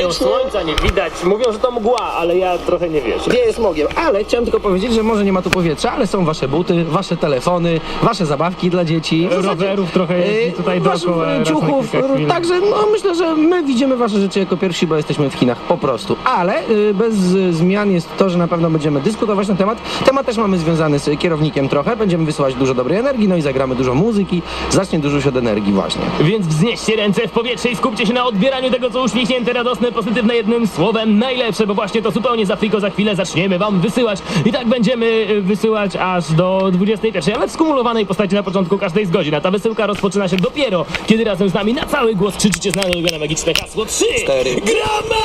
Mówią, słońca nie widać, mówią, że to mgła, ale ja trochę nie wierzę. Wieje smogiem, ale chciałem tylko powiedzieć, że może nie ma tu powietrza, ale są wasze buty, wasze telefony, wasze zabawki dla dzieci. Rowerów trochę jeździ tutaj dookoła. raz na ciuchów, kilka chwil. także no, myślę, że my widzimy wasze rzeczy jako pierwsi, bo jesteśmy w Chinach, po prostu. Ale bez zmian jest to, że na pewno będziemy dyskutować na temat. Temat też mamy związany z kierownikiem trochę, będziemy wysyłać dużo dobrej energii, no i zagramy dużo muzyki, zacznie dużo się od energii właśnie. Więc wznieście ręce w powietrze i skupcie się na odbieraniu tego, co uśmiechnięte, radosne, pozytywne, jednym słowem najlepsze, bo właśnie to zupełnie za friko za chwilę zaczniemy wam wysyłać i tak będziemy wysyłać aż do 21, ale w skumulowanej postaci na początku każdej z godzin. A ta wysyłka rozpoczyna się dopiero, kiedy razem z nami na cały głos krzyczycie znane ulubione magiczne hasło 3, 4. gramy!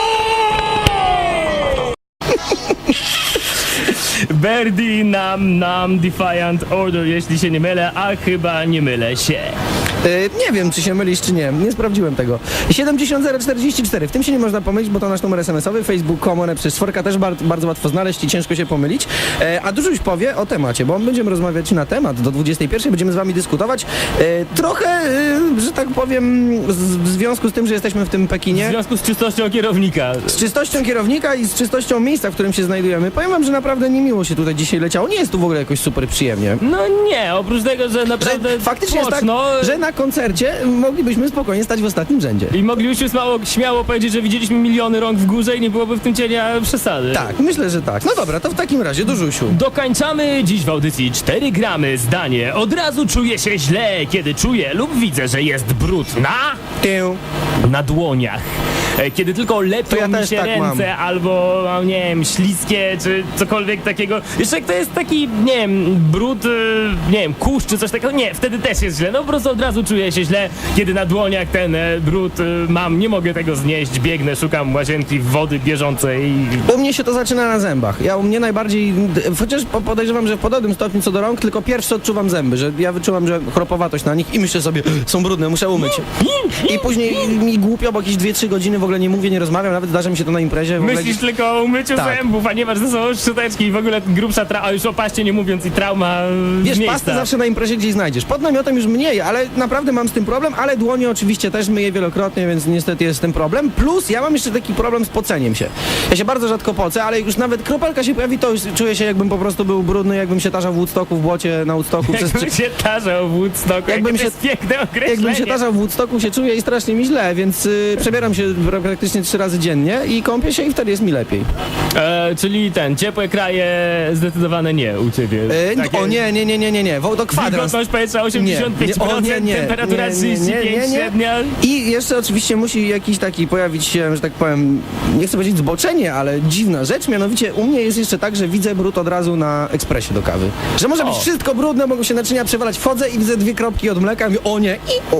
Birdie nam Defiant Order, jeśli się nie mylę, a chyba nie mylę się. Nie wiem, czy się mylisz, czy nie. Nie sprawdziłem tego. 70044. W tym się nie można pomylić, bo to nasz numer SMS-owy. Facebook.com przez czworka też bardzo łatwo znaleźć i ciężko się pomylić. A dużo już powie o temacie, bo będziemy rozmawiać na temat. Do 21 będziemy z wami dyskutować. Trochę, że tak powiem, w związku z tym, że jesteśmy w tym Pekinie. W związku z czystością kierownika. Z czystością kierownika i z czystością miejsca, w którym się znajdujemy. Powiem wam, że naprawdę niemiło się tutaj dzisiaj leciało. Nie jest tu w ogóle jakoś super przyjemnie. No nie, oprócz tego, że naprawdę Faktycznie jest tak, mocno, że na koncercie moglibyśmy spokojnie stać w ostatnim rzędzie. i moglibyśmy śmiało powiedzieć, że widzieliśmy miliony rąk w górze i nie byłoby w tym cienia przesady. Tak, myślę, że tak. No dobra, to w takim razie do Żusiu. Dokańczamy dziś w audycji 4 gramy zdanie. Od razu czuję się źle, kiedy czuję lub widzę, że jest brud na dłoniach. Kiedy tylko lepią ja mi też się tak ręce, mam. albo, nie wiem, śliskie, czy cokolwiek takiego. Jeszcze jak to jest taki, nie wiem, brud, nie wiem, kurz, czy coś takiego, nie, wtedy też jest źle. No po prostu od razu czuję się źle, kiedy na dłoniach ten brud mam, nie mogę tego znieść, biegnę, szukam łazienki, wody bieżącej. U mnie się to zaczyna na zębach. U mnie najbardziej, chociaż podejrzewam, że w podobnym stopniu co do rąk, tylko pierwszy odczuwam zęby, że ja wyczuwam, że chropowatość na nich i myślę sobie, są brudne, muszę umyć. I później mi głupio, bo jakieś 2-3 godziny w ogóle nie mówię, nie rozmawiam, nawet zdarza mi się to na imprezie. W ogóle Myślisz tylko o umyciu Tak. zębów, a nie masz ze sobą szczoteczki i w ogóle grubsza a już o paście nie mówiąc i trauma Wiesz, z miejsca. pastę zawsze na imprezie gdzieś znajdziesz. Pod namiotem już mniej, ale naprawdę mam z tym problem, ale dłonie oczywiście też myję wielokrotnie, więc niestety jest z tym problem. Plus ja mam jeszcze taki problem z poceniem się. Ja się bardzo rzadko pocę, ale już nawet kropelka się pojawi, to już czuję się, jakbym po prostu był brudny, jakbym się tarzał w Woodstocku, w błocie na Woodstocku. Jakbym się tarzał w Woodstocku, Jakbym to jest piękne określenie. Jakbym się tarzał w Woodstocku, się czuję i strasznie mi źle, więc przebieram się praktycznie 3 razy dziennie i kąpię się i wtedy jest mi lepiej. Czyli ciepłe kraje zdecydowane nie u ciebie. O nie, to kwadrans. Wilgotność powietrza 85%, temperatura 35 średnia. I jeszcze oczywiście musi jakiś taki pojawić się, że tak powiem, nie chcę powiedzieć zboczenie, ale dziwna rzecz, mianowicie u mnie jest jeszcze tak, że widzę brud od razu na ekspresie do kawy. Że może być wszystko brudne, mogą się naczynia przewalać, wchodzę i widzę 2 kropki od mleka i mówię, o nie,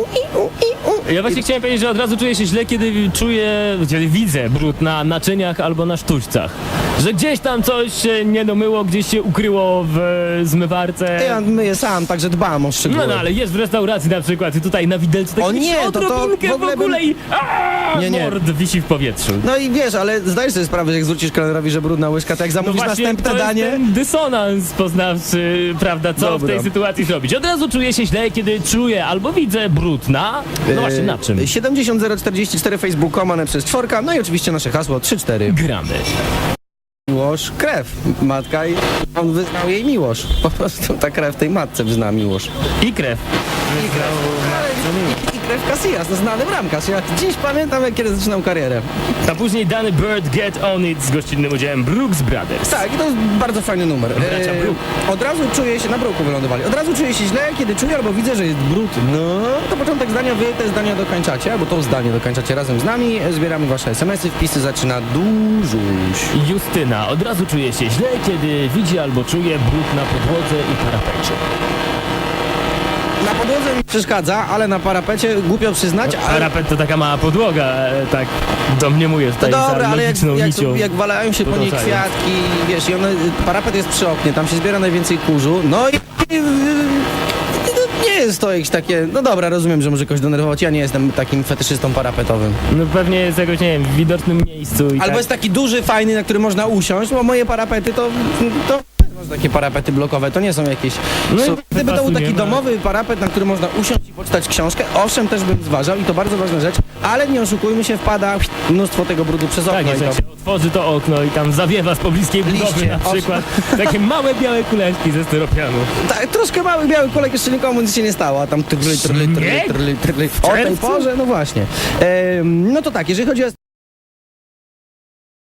Ja właśnie chciałem powiedzieć, że od razu czuję się źle, kiedy widzę brud na naczyniach albo na sztućcach. Że gdzieś tam coś się nie domyło, gdzieś się ukryło w zmywarce. Ja myję sam, także dbam o szczegóły. No ale jest w restauracji na przykład i tutaj na widelcu tak O nie, to odrobinkę w ogóle w ogóle i Nie. mord wisi w powietrzu. No i wiesz, ale zdajesz sobie sprawę, że jak zwrócisz kelnerowi, że brudna łyżka, to jak zamówisz następne to danie... jest ten dysonans poznawczy, prawda, co w tej sytuacji zrobić. Od razu czuję się źle, kiedy czuję albo widzę brud na... No właśnie, na czym? 70044 Facebook.com przez czworka, no i oczywiście nasze hasło 3-4. Gramy. Miłosz, krew. Matka i on wyznał jej miłość. Po prostu ta krew tej matce wyzna miłość. I krew. I krew Casillas, no znany bramkarz. Ja dziś pamiętam, jak kiedy zaczynał karierę. A później Danny Bird Get On It z gościnnym udziałem Brooks Brothers. Tak, i to jest bardzo fajny numer. Bracia Brook. Od razu czuję się, na Brooku wylądowali. Od razu czuję się źle, kiedy czuję albo widzę, że jest brud. No, to początek zdania, wy te zdania dokończacie, albo to zdanie dokończacie razem z nami. Zbieramy wasze SMS-y, wpisy zaczyna dużuś. Justyna od razu czuje się źle, kiedy widzi albo czuje brud na podłodze i parapecie. Na podłodze mi przeszkadza, ale na parapecie głupio przyznać, ale... Parapet to taka mała podłoga, tak domniemuję tutaj No dobra, za ale logiczną nicią. jak walają się po niej podążając. kwiatki, wiesz, i parapet jest przy oknie, tam się zbiera najwięcej kurzu, no i... Nie jest to jakieś takie... No dobra, rozumiem, że może kogoś denerwować, ja nie jestem takim fetyszystą parapetowym. No pewnie jest jakoś, nie wiem, w widocznym miejscu i Albo tak. jest taki duży, fajny, na który można usiąść, bo moje parapety to Takie parapety blokowe, to nie są jakieś... No i Gdyby to był taki pasuje, domowy parapet, na który można usiąść i poczytać książkę, owszem, też bym zważał i to bardzo ważna rzecz, ale nie oszukujmy się, wpada mnóstwo tego brudu przez okno. Tak, jest, i jak to... się otworzy to okno i tam zawiewa z pobliskiej budowy Liście, na przykład. Takie małe białe kuleczki ze styropianu. Tak, troszkę mały biały kolek, jeszcze nikomu nic się nie stało, a tam trli. O tej czerwcu? porze, no właśnie. No to tak, jeżeli chodzi o